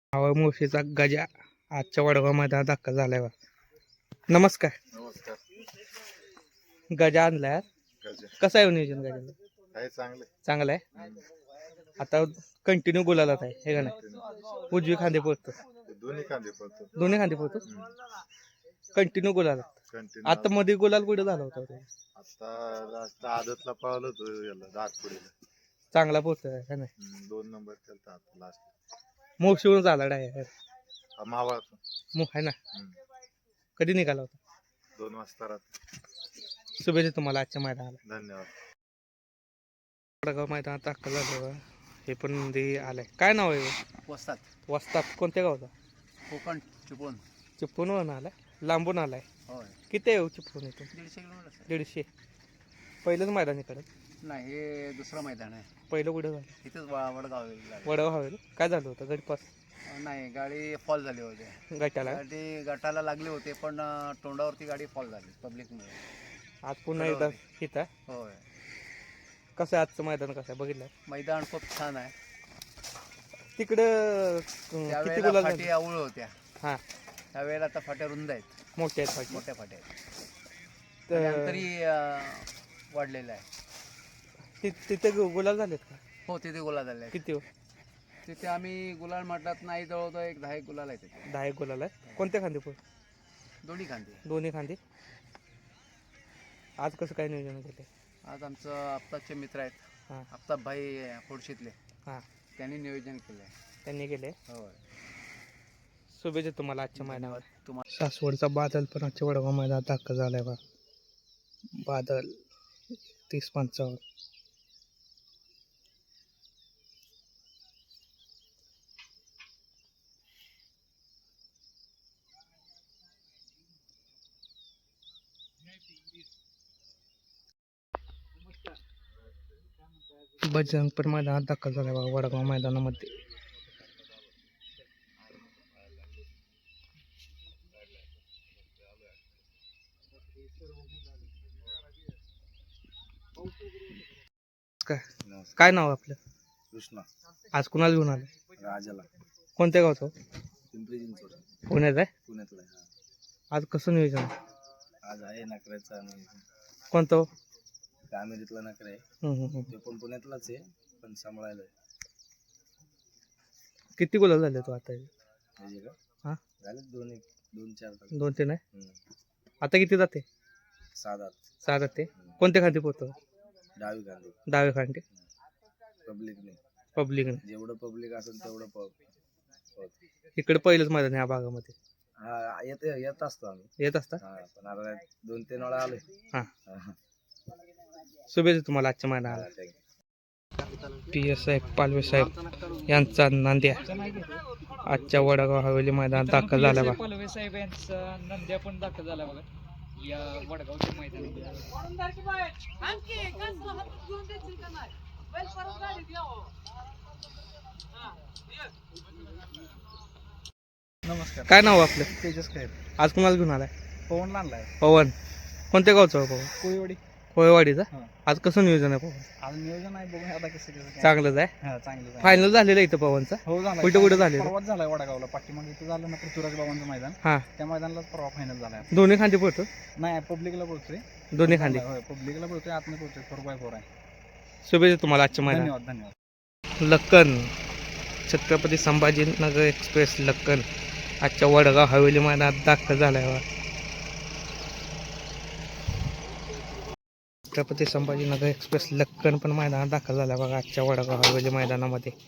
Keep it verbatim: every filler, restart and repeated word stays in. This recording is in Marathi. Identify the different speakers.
Speaker 1: हवा मुळशीचा गजा आजच्या वडगाव मैदानात दाखल झालाय बा. नमस्कार.
Speaker 2: नमस्कार.
Speaker 1: गजा आणलाय आज.
Speaker 2: गजा
Speaker 1: कसं आहे नियोजन गजाचं?
Speaker 2: आहे चांगले.
Speaker 1: चांगलं आहे. आता कंटिन्यू गुलालात आहे हे का नाही? उजवी खांदे पोहतो,
Speaker 2: दोन्ही कांदे पडतो.
Speaker 1: दोन्ही खांदे पोहतो, कंटिन्यू गुलालात.
Speaker 2: कंटिन्यू
Speaker 1: आता मध्ये गुलाल कुठे झाला होता तो?
Speaker 2: आता लास्ट आदतला पावलं होतं याला दातपुडीला.
Speaker 1: चांगला पोहतोय का नाही?
Speaker 2: हम्म, दोन नंबर केलता आता लास्ट.
Speaker 1: मोक्षीवरून झाला डायरेक्ट
Speaker 2: मावळात.
Speaker 1: मग आहे ना. कधी निघाला होता?
Speaker 2: दोन वाजता रात्री.
Speaker 1: शुभेच्छा तुम्हाला आजच्या मैदानाला.
Speaker 2: धन्यवाद.
Speaker 1: वडगाव मैदानात दाखल झालं बा. हे पण मध्ये आलंय. काय नाव आहे?
Speaker 3: वस्तात
Speaker 1: वस्तात. कोणत्या गावचा?
Speaker 3: कोकण चिपळूण.
Speaker 1: चिपळूणवरून आलाय, लांबून आलाय.
Speaker 3: होय,
Speaker 1: किती आहे चिपळूण इथून?
Speaker 3: दीडशे किलोमीटर.
Speaker 1: दीडशे. पहिलंच मैदान इकडं?
Speaker 3: नाही, हे दुसरं मैदान आहे.
Speaker 1: पहिलं कुठं झालं?
Speaker 3: इथंच वा- वडगाव आहे.
Speaker 1: वडगाव हवेल. काय झालं होतं? गटपास
Speaker 3: नाही, गाडी फॉल झाली होती.
Speaker 1: गटाला.
Speaker 3: गाडी गटाला लागली होती, पण अं, तोंडावरती गाडी फॉल झाली पब्लिकमुळे.
Speaker 1: आज पुन्हा एकदा इथं आहे.
Speaker 3: होय,
Speaker 1: कसं आहे आजचं मैदान? कसं आहे बघितलं?
Speaker 3: मैदान खूप छान आहे.
Speaker 1: तिकडं अं, किती
Speaker 3: त्यावेळेला
Speaker 1: गुलाल
Speaker 3: फाटी
Speaker 1: झाले?
Speaker 3: आवळ होत्या.
Speaker 1: हां,
Speaker 3: त्यावेळेला आता फाट्या रुंद आहेत,
Speaker 1: मोठे आहेत फाटी.
Speaker 3: मोठ्या फाट्या आहेत.
Speaker 1: तर
Speaker 3: अंतरी अं, वाढलेलं आहे.
Speaker 1: ति- तिथे गु- गुलाल झालेत का?
Speaker 3: हो, तिथे गुलाल झाले आहेत.
Speaker 1: किती हो?
Speaker 3: तिथे आम्ही गुलाल म्हटलात नाही, जवळजवळ एक दहा एक गुलाल आहेत तिथे.
Speaker 1: दहा एक गुलाल आहे. कोणत्या खांदे पोहोच?
Speaker 3: दोन्ही खांदे.
Speaker 1: दोन्ही खांदे. आज कसं काय नियोजन केलं?
Speaker 3: आज आमचं आप्ताचे मित्र आहेत,
Speaker 1: हां
Speaker 3: आप्ताभाई खोडशीतले,
Speaker 1: हां,
Speaker 3: त्यांनी नियोजन केलं आहे.
Speaker 1: त्यांनी केले.
Speaker 3: होय,
Speaker 1: शुभेच्छा तुम्हाला आजच्या मैदानावर.
Speaker 3: तुम्हाला.
Speaker 1: सासवडचा बादल पण आजच्या वडगाव मैदानात दाखल झालाय बा. बादल तीस पंचावन्न. बजरंग पण मैदानात दाखल झालाय बा वडगाव मैदानामध्ये. काय काय नाव आपलं?
Speaker 2: कृष्णा.
Speaker 1: आज कुणाला घेऊन आलं?
Speaker 2: राजाला.
Speaker 1: कोणत्या गावचं?
Speaker 2: पिंपरी चिंचवड.
Speaker 1: पुण्यात आहे.
Speaker 2: पुण्यातला आहे.
Speaker 1: आज कसं नियोजन?
Speaker 2: आज आहे नकऱ्याचा.
Speaker 1: कोणतं हो?
Speaker 2: कामेरीतला नकरा आहे.
Speaker 1: हम्म, हम्म, हम्म.
Speaker 2: ते पण पुण्यातलाच आहे, पण सांभाळायला आहे.
Speaker 1: किती गुलाल झाले तो आता?
Speaker 2: म्हणजे का
Speaker 1: हां,
Speaker 2: झाले दोन एक दोन चार तास.
Speaker 1: दोन तीन आहे.
Speaker 2: हम्म.
Speaker 1: आता किती जाते?
Speaker 2: सात आठ.
Speaker 1: सहा जाते. कोणत्या खांदी पोहतो?
Speaker 2: डावी कांदे.
Speaker 1: डावे खांदी.
Speaker 2: पब्लिकने
Speaker 1: पब्लिक.
Speaker 2: जेवढं पब्लिक असेल तेवढं प-
Speaker 1: इकडे पहिलंच मैदान ह्या भागामध्ये
Speaker 2: हा येत येत असतो आम्ही.
Speaker 1: येत असता.
Speaker 2: हा, पण आता दोन तीन वेळा आलोय.
Speaker 1: हां,
Speaker 2: हा,
Speaker 1: शुभेच्छा तुम्हाला आजच्या मैदानाला.
Speaker 2: thank
Speaker 1: पी एस साहेब पालवे साहेब यांचा नांद्या आजच्या वडगाव हवेली मैदानात दाखल झाला बा.
Speaker 4: पालवे साहेब यांचा नंद्या पण दाखल झाला बघा या वडगावच्या मैदानात.
Speaker 3: नमस्कार.
Speaker 1: काय नाव आपलं?
Speaker 3: तेजस काय
Speaker 1: आज कुणाला घेऊन आलाय?
Speaker 3: पवन आणलाय
Speaker 1: पवन. कोणत्या गावचं आहे पवन?
Speaker 3: कोळीवाडी.
Speaker 1: कोयवाडीचा.
Speaker 3: हां.
Speaker 1: आज कसं नियोजन आहे पवन?
Speaker 3: आज नियोजन आहे, बघूया आता कसं कसं काय.
Speaker 1: चांगलंच आहे.
Speaker 3: हा, चांगलं आहे.
Speaker 1: फायनल झालेलं आहे इथं पवनचा.
Speaker 3: हो, झाला.
Speaker 1: कुठं कुठं झालेलं?
Speaker 3: परवाच झालाय वडगावला. पाठीमागे इथं झालं ना पृथ्वीराज बाबांचं मैदान,
Speaker 1: हां,
Speaker 3: त्या मैदानालाच परवा फायनल झालाय.
Speaker 1: दोन्ही खांदे पोहतो.
Speaker 3: नाही, पब्लिकला बोलतोय.
Speaker 1: दोन्ही खांदे.
Speaker 3: होय, पब्लिकला बोलतोय, आतनं बोलतोय. फोर बाय फोर आहे.
Speaker 1: शुभेच्छा तुम्हाला आजच्या मैदानात.
Speaker 3: धन्यवाद धन्यवाद.
Speaker 1: लक्कन छत्रपती संभाजीनगर एक्सप्रेस लक्कन आजच्या वडगाव हवेली मैदानात दाखल झालाय बा. छत्रपती संभाजीनगर एक्सप्रेस लक्कन पण मैदानात दाखल झाला बघा आजच्या वडगाव हवेली मैदानामध्ये.